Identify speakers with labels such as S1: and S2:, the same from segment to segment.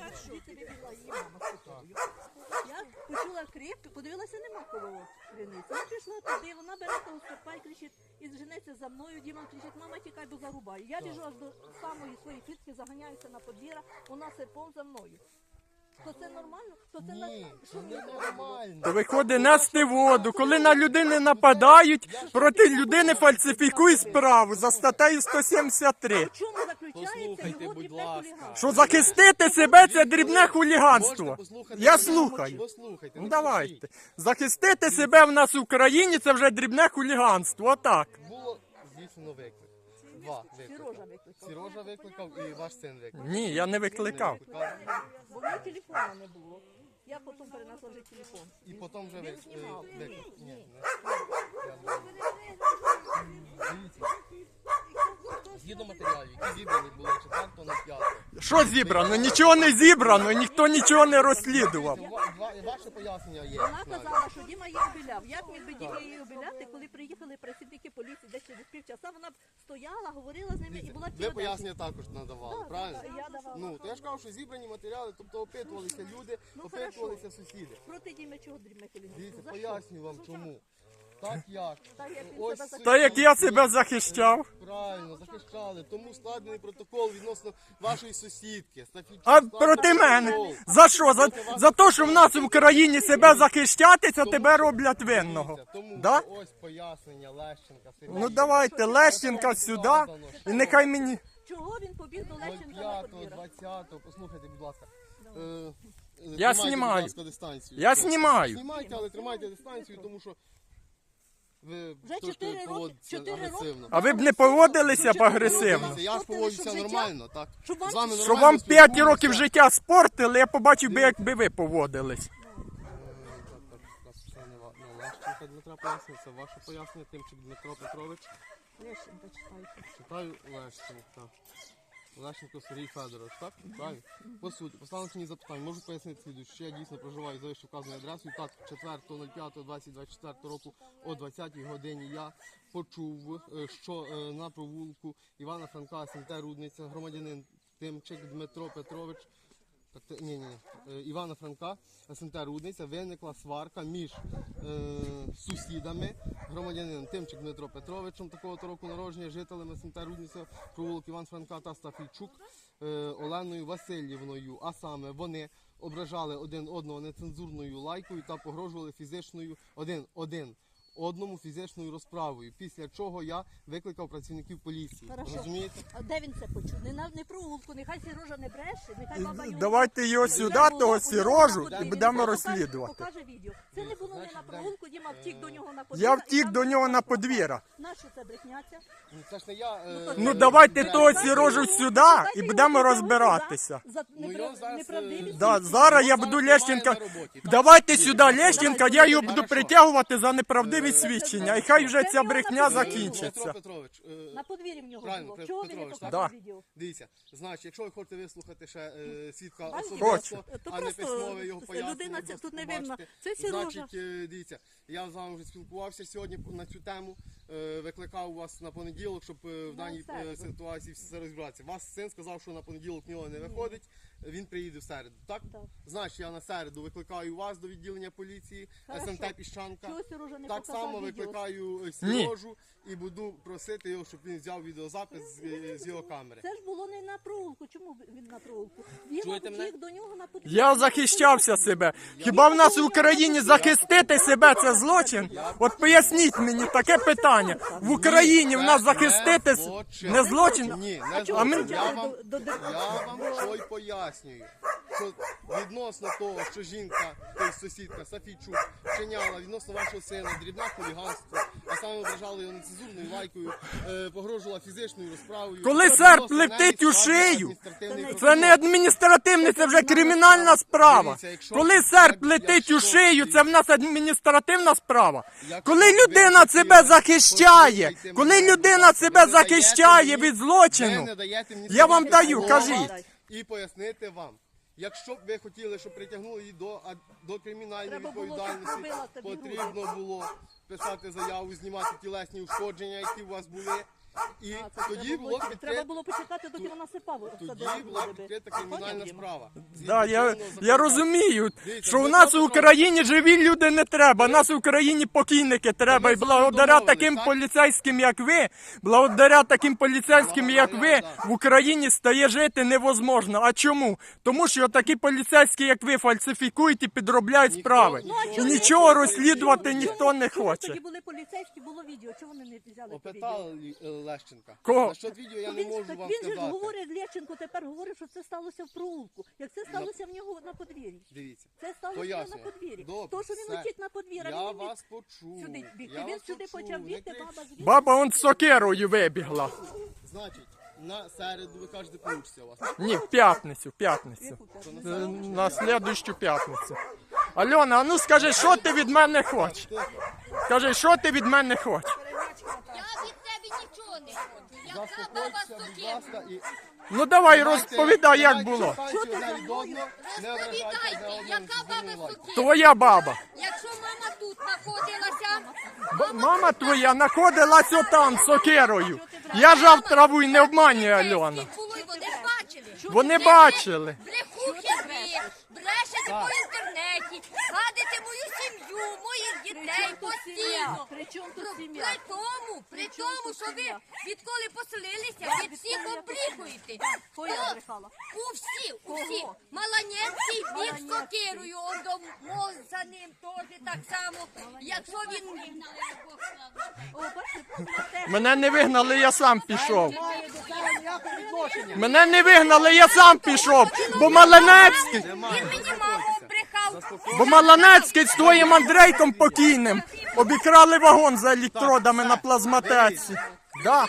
S1: звідси вибігла її мама з кутою. Я почула крик, подивилася, нема коло криниці. Я пішла туди, вона бере того стопа і кричить, і женеться за мною. Діма кричить, мама, тікай, бо зарубаю. Я біжу аж до самої своєї клітки, заганяюся на подвір'я, вона серпом за мною. То це нормально? То це
S2: Ні, це не нормально.
S3: То виходить нести воду. Коли на людини нападають, проти людини фальсифікують справу за статтею 173.
S1: В чому заключається
S2: Послухайте,
S1: його
S2: будь
S1: дрібне
S2: ласка.
S1: хуліганство?
S3: Що захистити себе – це дрібне хуліганство.
S2: Можете послухати?
S3: Я слухаю.
S2: Послухайте.
S3: Ну
S2: не
S3: давайте. Захистити себе в нас в Україні – це вже дрібне хуліганство. Отак.
S2: кричіть. Було здійснено виклик. Два виклики.
S1: Сережа викликав.
S2: Сережа викликав і ваш син викликав.
S3: Ні, я не викликав.
S1: Бо в мене телефону не було. Я потім перенесла вже телефон.
S2: І потім вже
S1: Він знімав.
S2: виклик. Ні, Дивіться. Згідно матеріалів, які зібрані були 4.05.
S3: Що зібрано? Нічого не зібрано, ніхто нічого не розслідував.
S2: Ваше пояснення є.
S1: Вона казала, що Діма її обіляв. Як міг би Діма її обіляти, коли приїхали працівники поліції десь через півчаса, вона б стояла, говорила з ними і була
S2: Ви
S1: ціла
S2: пояснення також надавали,
S1: Так,
S2: правильно?
S1: так, я давала.
S2: Ну, то я ж кажу, що зібрані матеріали, тобто опитувалися люди,
S1: Ну,
S2: опитувалися сусіди.
S1: проти Діми чого дрібне
S2: Дивіться,
S1: хуліганство? За що?
S2: пояснюю вам чому. Так як?
S1: Так, як він
S2: Ось
S1: себе
S2: суть
S3: Та як я себе захищав.
S2: Правильно, захищали. Тому складений протокол відносно вашої сусідки.
S3: А проти мене? За що? За те, що в нас в Україні себе захищатися, тебе роблять винного.
S2: Тому
S3: Да?
S2: ось пояснення Лещенка. Сергія.
S3: Ну давайте, Лещенка сюди, і нехай мені...
S1: Чого він побіг до Лещенка на
S2: 05-го,
S1: подвір'я?
S2: 20-го, послухайте, будь ласка.
S3: Я
S2: Тримайте,
S3: знімаю.
S2: будь ласка, дистанцію.
S3: Я знімаю.
S2: Знімайте, але тримайте дистанцію, тому що ви
S1: Вже
S2: трошки
S1: 4 роки-
S2: поводитеся
S1: 4 роки.
S2: агресивно.
S3: А ви б не поводилися б агресивно?
S2: Дивіться, я ж поводжуся нормально, так?
S1: Щоб вам-
S2: З вами
S3: Що
S2: нормально
S3: вам 5
S2: спілкуюся.
S3: років життя спортили, я побачив би, якби ви поводились.
S2: Це не Лещенка Дмитра пояснює, це ваше пояснення, Тимчик Дмитро Петрович.
S1: Лещенка читайте.
S2: Читаю Лещенка. Лещенко Сергій Федорович, так? Правильно? По суті, поставили мені запитання, можу пояснити слідуюче, що я дійсно проживаю за вище вказаною адресою. Так, 4.05.2024 року о 20-й годині я почув, що на провулку Івана Франка, СМТ Рудниця, громадянин Тимчик Дмитро Петрович, Івана Франка, СМТ Рудниця, виникла сварка між сусідами, громадянином Тимчик Дмитро Петровичем, такого-то року народження, жителями СМТ Рудниця, провулок Іван Франка та Стафійчук Оленою Васильівною. А саме вони ображали один одного нецензурною лайкою та погрожували один одному фізичною розправою, після чого я викликав працівників поліції.
S1: Хорошо.
S2: Розумієте?
S1: А де він це почув? Не провулку, нехай Сережа не бреше, нехай баба його...
S3: Давайте його сюди, того Сірожу, і будемо розслідувати.
S1: Покаже відео. Це не було не на провулку, Діма втік до нього на подвір'я.
S3: Я втік до нього на подвір'я.
S1: Нащо це брехняться?
S2: Це ж не я...
S3: Ну давайте того Сірожу сюди і будемо розбиратися.
S1: За
S2: його зараз,
S1: неправдивість.
S3: Да, зараз я буду Лещенка. Давайте сюди Лещенка, я його буду притягувати за неправдиві свідчення. І хай вже ця брехня
S2: Петро
S3: закінчиться.
S2: Петрович,
S1: На подвір'ї в нього
S2: Правильно,
S1: було. Чого ви не
S2: Петрович,
S1: показали
S3: да.
S1: відео?
S2: дивіться, значить, якщо ви хочете вислухати ще свідка
S1: Бачите?
S2: особисто,
S1: То
S2: а не
S1: просто
S2: письмове його
S1: людина
S2: пояснення,
S1: ця
S2: просто
S1: тут не видно.
S2: побачите.
S1: Це Сережа.
S2: Значить, дивіться, я з вами вже спілкувався сьогодні на цю тему, викликав вас на понеділок, щоб в даній
S1: середу.
S2: ситуації все розібратися. Вас син сказав, що на понеділок в нього не виходить, він приїде в середу, так?
S1: Так.
S2: Значить, я на середу викликаю вас до відділення поліції,
S1: Хорошо.
S2: СМТ Піщанка.
S1: Чого Сережа не
S2: Так
S1: показав
S2: само
S1: відео?
S2: викликаю Сережу і буду просити його, щоб він взяв відеозапис з його камери.
S1: Це ж було не на провулку. Чому він на провулку? Він
S2: Чуєте мене?
S1: втік до нього на подвір'я.
S3: Я захищався себе. Хіба в нас в Україні захистити себе це злочин? От поясніть мені таке питання. В Україні в нас захистити не злочин?
S2: Ні,
S1: А
S2: не
S1: чого
S2: злочин.
S1: ви
S2: Я
S1: взяли
S2: вам,
S1: до
S2: я вам що й пояснюю. Що відносно того, що жінка, тобто сусідка Сафійчук, вчиняла відносно вашого сина дрібне хуліганство, а саме ображали його нецензурною лайкою, погрожувала фізичною розправою.
S3: Коли
S2: Відносно
S3: серп
S2: неї
S3: летить у
S2: складений
S3: шию,
S2: адміністративний
S3: це
S2: протокол.
S3: не адміністративне, це вже кримінальна справа. Коли серп летить у шию, це в нас адміністративна справа. Коли людина себе захищає, коли людина себе захищає від злочину, я вам даю, кажіть.
S2: І пояснити вам. Якщо б ви хотіли, щоб притягнули її до кримінальної
S1: Треба було, щоб
S2: відповідальності,
S1: зробила тобі
S2: потрібно було писати заяву, знімати тілесні ушкодження, які у вас були, І
S1: А, це
S2: тоді
S1: треба
S2: було
S1: треба
S2: відкрито.
S1: було почекати, доки вона сипала.
S2: Тоді була відкрита кримінальна справа.
S3: Да, я розумію,
S2: Дивіться,
S3: що у
S2: ми
S3: нас
S2: це
S3: в Україні живі люди не треба, нас в Україні покійники треба. І благодаря
S2: домовились,
S3: таким
S2: так?
S3: поліцейським, як ви, благодаря таким поліцейським, як ви,
S2: да.
S3: в Україні стає жити невозможно. А чому? Тому що такі поліцейські, як ви, фальсифікують і підробляють справи. І нічого розслідувати ніхто не
S1: Чому
S3: хоче.
S1: тоді були поліцейські, було відео, чого вони не взяли то відео?
S2: Опитали Лещенка.
S3: Кого?
S2: Насчет відео я не
S1: Він,
S2: можу
S1: так
S2: вам
S1: він же ж
S2: сказати.
S1: говорить, Лєченко тепер говорить, що це сталося в проулку. Як це сталося в нього на подвір'ї?
S2: Дивіться.
S1: Це сталося в нього на
S2: Пояснюю.
S1: подвір'ї.
S2: Добре,
S1: То, що він
S2: все.
S1: летить на подвір'я,
S2: Я
S1: він
S2: вас почув.
S1: сюди біг.
S2: Я
S1: І він
S2: вас
S1: сюди
S2: почув.
S1: почав
S2: Не
S1: бігти,
S2: кричіть.
S1: баба звідти.
S3: Баба он з сокирою вибігла.
S2: Значить, на середу ви кажете, получиться у вас.
S3: Ні, в п'ятницю. На слідущу п'ятницю. Альона, а ну скажи, що ти від мене хочеш? Скажи, що ти від мене хочеш?
S4: Я від тебе нічого не хочу. Яка баба
S2: Заспокойтеся, будь
S4: сукіру?
S2: ласка, і
S3: Ну давай розповідай, як було.
S2: Розповідай,
S4: Розповідайте, яка баба сукіру?
S3: Твоя баба.
S4: Якщо мама тут знаходилася,
S3: Мама твоя знаходилась отам з сокирою. Я жав траву і не обманюю, Альона.
S4: було, і вони бачили.
S3: Вони бачили.
S4: Брехухи ви, брешете по інтернеті, гадите мою сім'ю, моїх дітей постійно.
S1: При чому тут сім'я?
S4: При тому, що ви відколи поселилися, ви всіх облікуєте.
S1: Кого я брехала?
S4: У всі. Маланецький біг з сокирою, одомов за ним теж так само. Якщо він...
S1: О, бачите,
S3: Мене не вигнали, я сам пішов.
S2: Немає до цього ніякого відношення.
S3: Мене не вигнали, я сам пішов. Бо Маланецький,
S4: Він мені маму брехав.
S3: бо Маланецький з твоїм Андрейком покійним обікрали вагон за електродами на плазматеці. Да.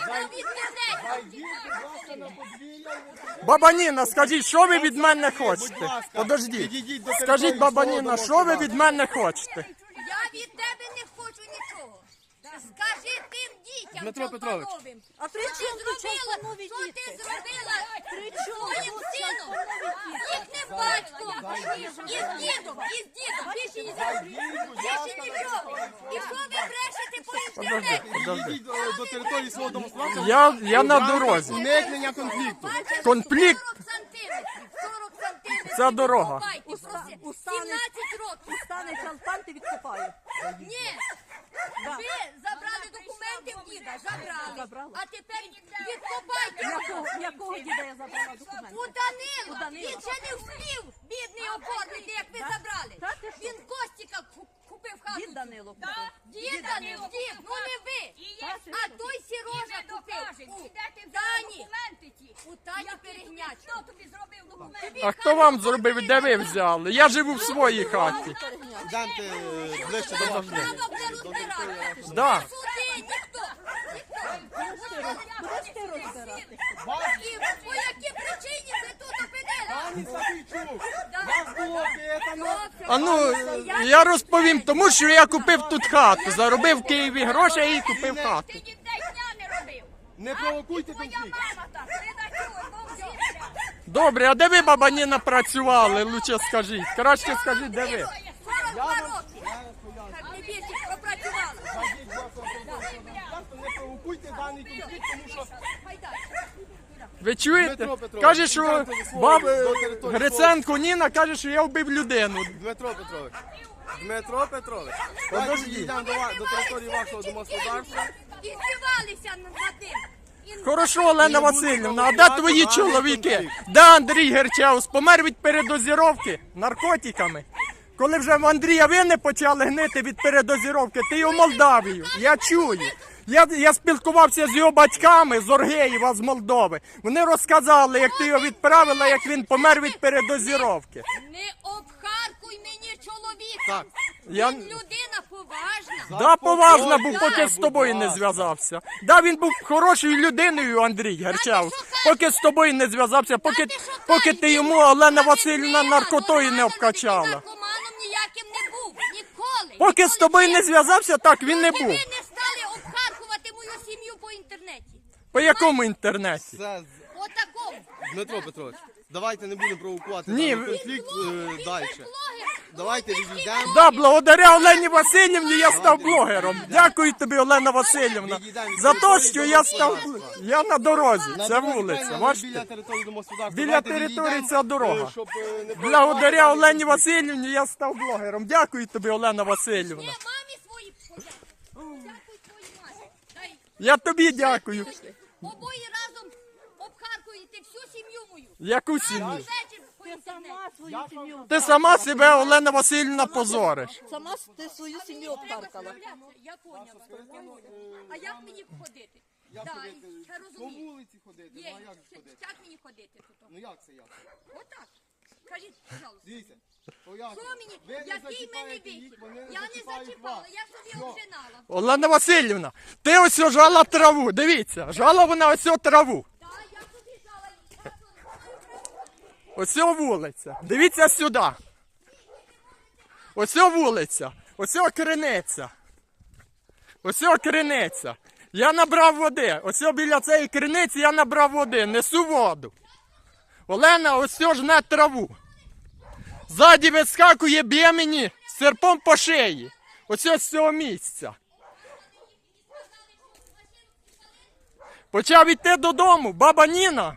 S3: Баба Ніна, скажіть, що ви від мене хочете? Подождіть. Скажіть, баба Ніна, що ви від мене хочете?
S4: Я від тебе не хочу нічого. Скажи тим дітям,
S2: Дмитро Петрович.
S4: Чолпановим,
S1: А при
S4: що ти
S1: чому тут
S4: зробила,
S1: Чолпанові
S4: що ти
S1: діти?
S4: зробила
S1: При чому
S4: своїм
S1: тут
S4: сином,
S1: Чолпанові діти?
S4: їхнім батьком, і з дідом, більше нічого. І що ви брешете по інтернеті?
S2: Підійдіть до території свого домосправця.
S3: Я на дорозі.
S2: Уникнення конфлікту.
S3: Конфлікт.
S4: 40 сантиметрів.
S3: Ця дорога.
S4: Копайте,
S1: Устане-
S4: 17 років.
S1: Стане чалпан, ти відкопаю.
S4: Ні. Ви забрали документи в діда, забрали.
S1: Забрала.
S4: А тепер відкопайте.
S1: Якого діда я забрала документи?
S4: У Данила.
S1: Данила.
S4: Він ще не встиг бідний оформити, як ви
S1: Так?
S4: забрали.
S1: Так, ти що?
S4: Він Костіка купив хату.
S1: Дід Данило.
S4: Дід Данило, дід, ну не ви. А той Сірожа купив. У Тані. У Тані перегнячу. Хто тобі зробив документи?
S3: А хто вам зробив, де ви взяли? Я живу в своїй хаті.
S2: Йдемте ближче до вас.
S4: Право буде розбиратися.
S3: Да.
S4: Суди, ніхто.
S1: Будеш ти розбирати?
S4: І по якій причині ви тут опинилися?
S2: Пані Софійчук, вас було опитано.
S3: А ну, я розповім, тому що я купив тут хату. Заробив в Києві гроші і купив хату.
S4: Ти ніде дня не робив.
S2: Не провокуйте
S4: Твоя
S2: конфлікт.
S4: мама так, ти на чого, мовчився.
S3: Добре, а де ви, баба Ніна, працювали? Лучше скажіть. Краще скажіть, де ви?
S4: 42 роки. Так не більше пропрацювали.
S2: Не провокуйте даний конфлікт, тому що
S3: Ви чуєте?
S2: Дмитро Петрович,
S3: Каже, що
S2: йдемте до свого- до території
S3: Гриценко Ніна каже, що я вбив людину.
S2: Дмитро Петрович,
S3: Подожди.
S2: йдемо до території вашого домогосподарства.
S4: І здівалися над ним. І
S3: Хорошо, Олена
S2: Не буде
S3: Васильівна, а де
S2: провокувати
S3: твої
S2: даний
S3: чоловіки?
S2: конфлікт.
S3: Де Андрій Герчеус? Помер від передозіровки наркотиками. Коли вже в Андрія вини почали гнити від передозіровки, ти його в Молдавію. Я чую. Я спілкувався з його батьками з Оргеєва, з Молдови. Вони розказали, як ти його відправила, як він помер від передозіровки.
S4: не обхаркуй мені чоловіка.
S2: Так.
S3: Я...
S4: Він людина поважна.
S3: Да, поважно був, поки з тобою не зв'язався. Да, він був хорошою людиною, Андрій Герчеус, поки з тобою не зв'язався, поки ти йому, Олена Васильівна, наркотою не обкачала.
S4: Наркоманом ніяким не був. Ніколи.
S3: Поки з тобою не зв'язався, так він не
S4: Поки
S3: був.
S4: ви не стали обхаркувати мою сім'ю по інтернеті.
S3: По якому інтернеті?
S2: Це
S4: Отакому.
S2: Дмитро Петрович, Давайте не будемо провокувати
S3: Ні,
S2: даний
S3: ви-
S2: конфлікт далі. Давайте відійдемо.
S3: Да, благодаря Олені Васильівні я став блогером. Дякую тобі, Олена Васильівна, за те, що я став... Я на дорозі, це вулиця,
S2: Біля
S3: бачите?
S2: території домогосподарства.
S3: Біля
S2: Давайте
S3: території
S2: відійдемо,
S3: ця дорога.
S2: щоб, не
S3: Благодаря
S2: провокувати
S3: Олені
S2: даний конфлікт.
S3: Васильівні я став блогером. Дякую тобі, Олена Васильівна.
S4: Не, мамі свої подякуй. Дякуй твоїй мамі. Дай
S3: Я тобі дякую.
S4: обоє разом обхаркуєте всю сім'ю мою.
S3: Яку сім'ю?
S4: Вечір
S1: Ти
S4: поїдете в неї.
S1: сама свою сім'ю.
S3: Ти сама себе, Олена Васильівна, позориш.
S1: Сама ти свою сім'ю обкаркала.
S4: Я поняла. А як мені ходити?
S2: Я
S4: Да,
S2: тобі
S4: я
S2: кажу, по
S4: розумію.
S2: вулиці ходити, ну
S4: Є,
S2: а як ходити?
S4: як мені ходити тут?
S2: Ну як це як?
S4: Отак. Кажіть, пожалуйста.
S2: Дивіться, поясню.
S4: Що мені?
S2: Ви не
S4: Який мене
S2: зачіпаєте
S4: вихід?
S2: їх, вони
S4: Я не
S2: зачіпають
S4: зачіпала,
S2: вас.
S4: я собі
S2: Що?
S4: обжинала.
S3: Олена Васильівна, ти ось жала траву, дивіться, жала вона ось траву.
S4: Так, я собі жала її.
S3: Ось вулиця. Дивіться сюди. Ось вулиця. Ось криниця. Ось криниця. Я набрав води. Ось біля цієї криниці я набрав води. Несу воду. Олена ось жне траву. Ззаді вискакує, б'є мені серпом по шиї. Ось з цього місця. Почав йти додому. Баба Ніна.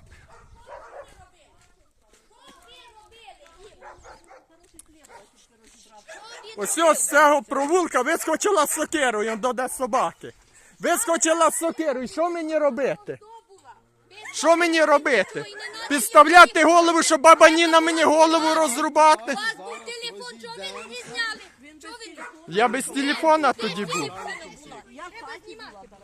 S3: Ось з цього провулка вискочила з сокирою до де собаки. Вискочила з сокирою. Що мені робити? Що мені робити? Підставляти голову, щоб баба Ніна мені голову розрубати?
S4: У вас був телефон, чого ви не зняли? Чого ви не?
S3: Я без телефона тоді був.
S1: Я в хаті була.